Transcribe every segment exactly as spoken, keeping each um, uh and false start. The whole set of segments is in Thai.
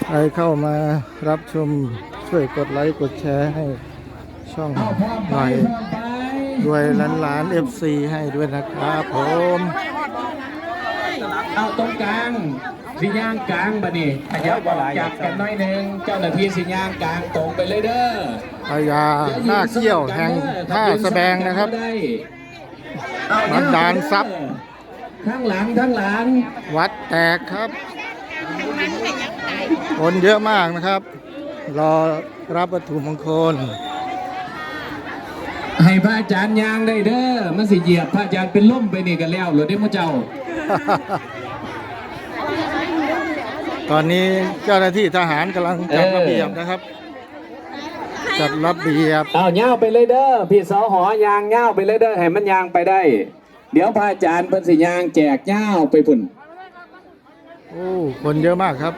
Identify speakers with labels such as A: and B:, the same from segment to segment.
A: ใครเข้ามารับชมช่วยกดไลค์กดแชร์ให้ช่องหน่อยด้วยล้านล้านเอฟซีให้ด้วยนะครับผม
B: เอาตรงกลางสิย่างกลางบะนี่ขยับออกจากกันน้อยหนึ่งเจ้าหน้าที่สิย่างกลางตรงไปเลยเด้อ
A: พญาหน้าเขี้ยวแห่งท่าแสดงนะครับบันดาลทรัพย์
B: ข้างหลังข้างหลัง
A: วัดแตกครับคนเยอะมากนะครับรอรับวัตถุมงคล
B: ให้พระอาจารย์ยางได้เด้อมันสิเหยียบพระอาจารย์เป็นล่มไปนี่กันแล้วหรือได้มั้เจ้า
A: ตอนนี้เจ้าหน้าที่ทหารกำลังจัดระเบียบนะครับจัดระเบียบ
B: เอาเงาไปเลยเด้อพี่สอหอยางเงาไปเลยเด้อให้มันยางไปได้เดี๋ยวพระอาจารย์เพิ่นสิยางแจกเงาไปพุ่น
A: โอ้คนเยอะมากครับ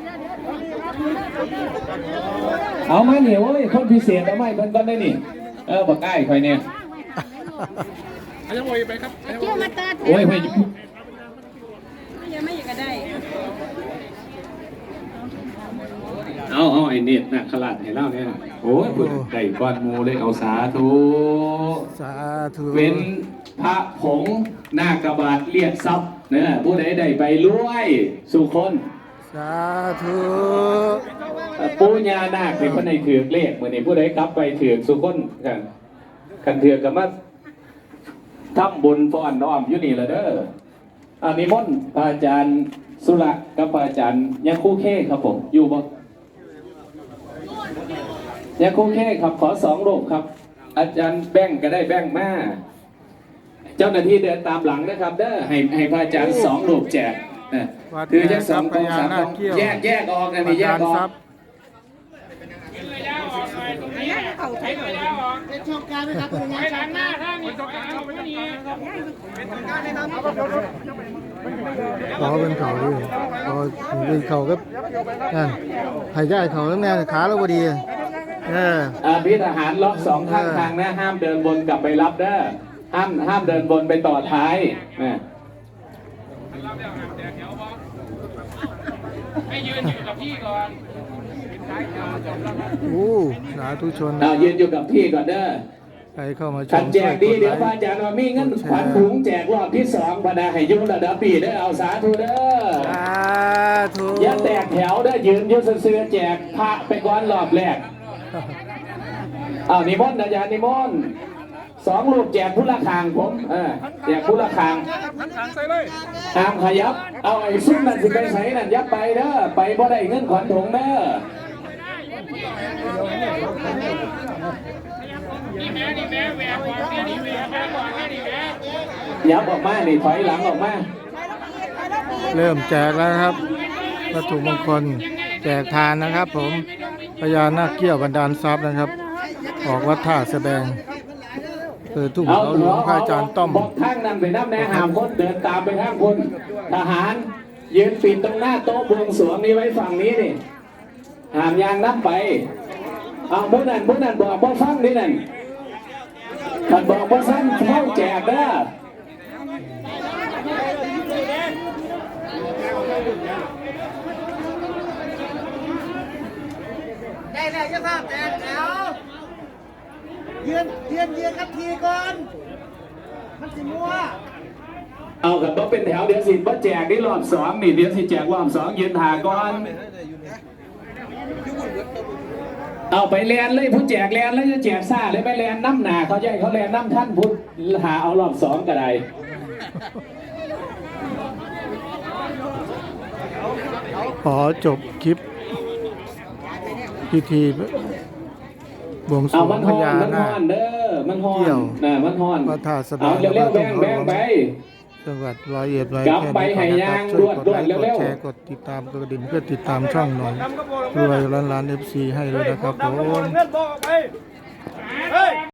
B: เอามาเหนียวเว้ยคนพิเศษเอาไม้เพิ่นก่อนได้นี่เออบอกใกล้คอยเนี่ย
C: อาจารย์โวยไปครับ
D: เที่ยวมาตัด
B: โอ้ยเฮ้ย
D: ยังไม่อยากได้
B: เอาเอาไอ้เน็ตน่ะขลาดให้เล่าเนี่ยโอ้ยพุ่นไก่ก้อนมูเลยเอาสาธุ
A: สาธุ
B: เป็นพระผงหน้ากระบาดเรียกทรัพย์เนี่ยผู้ใดได้ไปรวยสุคน
A: สาธุ
B: ปูญานาคเป็นคนในถือเลขเหมือนในผู้ใดกลับไปถือสุคนกันกันถือกับมาทำบุญฟ้อนน้อมอยู่นี่ละเด้ออันนี้มนต์พระอาจารย์สุรกับพระอาจารย์ยังคู่เข้ครับผมอยู่บ่ยังคู่เข้ครับขอสองรูปครับอาจารย์แบ่งก็ได้แบ่งมาเจ้าหน้าที่เดินตามหลังนะครับเด้อให้ให้พระอาจารย์สองรูปแจกคือจะสองกองสามกองแยกแยกออกนะนี่แยกออก
D: เขาใช้หน่อยเป็นช่องการไหมครับเป็นช่องการถ้ามีช่องการไม่มีเป็นช่องการนะครับ
A: ขอเป็นเขาดิขอเป็นเขาก็นั่นหายใจเขาแล้วแน่ขาเราพอดีเออ
B: พี่ทหารล็อกสองข้างทางนะห้ามเดินบนกลับไปรับเด้อห้ามห้ามเดินบนไปต่อท้ายนะ
C: ให้ยืนอยู่กับพี่ก่อน
A: โอ้สาธุชน
B: เอายืนอยู่กับพี่ก่อนเด้อ
A: ใครเข้ามาชม
B: แจกดีเดี๋ยวพระอาจารย์ว่ามีเงินขวัญถุงแจกรอบที่สองพนาให้ยุ่งระดับปีเด้อเอาสาธุเด้อ
A: สาธุ
B: อย่าแตกแถวเด้อยืนยืนเสื้อแจกพระไปก่อนรอบแรกเอานิมนต์อาจารย์นิมนต์สองลูกแจกผู้ละคางผมเออแจกผู้ละคางตามขยับเอาไอ้ซุ้มนั่นสิไปใส่นั่นยับไปเด้อไปบ่ได้เงินขวัญถุงเด้อยับออกมานี่ถอยหลังออกมา
A: เริ่มแจกแล้วครับวัตถุมงคลแจกทานนะครับผมพญานาคเกี้ยวบันดาลทรัพย์นะครับออกวัดท่าแสดงคือทุ่งเขาหลวงพระอาจารย์ต้อม
B: บอกทางนั้นไปน้ำแน่หามคนเดินตามไปทางคนทหารยืนปิดตรงหน้าโต๊ะบวงสรวงนี้ไว้ฝั่งนี้นี่หามยางนับไปเอาบุญนั่นบุญนั่นบอกบ่ฟังนี่นั่นขันบอกบ่ฟังเข้าแจกเด้อ
D: ได้แล้วจะภาพแจกแล้วยืนยืนยืนกับทีก่อนมันสิมัว
B: เอากับบ่เป็นแถวเดี๋ยวสิบ่แจกนี่รอบสองนี่เดี๋ยวสิแจกรอบสองยืนหาก่อนเอาไปแลนเลยผู้แจกแลนแล้วจะแจกซ่าเลยไปแลนน้ำหนาเขาใหญ่เขาแลนน้ำท่านพุทธหาเอารอบสองก็ได้
A: ขอจบคลิปพิธีบวงสรวงพญานาคเกี่ยวพระธาตุแสดง
B: เร็วๆแบ่งแบ่งไป
A: จังหวัดร้อยเอ็ดร้อยแค่นี้นะครับช่วยกดไลค์กดแชร์กดติดตามกระดิ่งเพื่อติดตามช่องหน่อยรวยล้านล้านเอฟซีให้เลยนะครับผม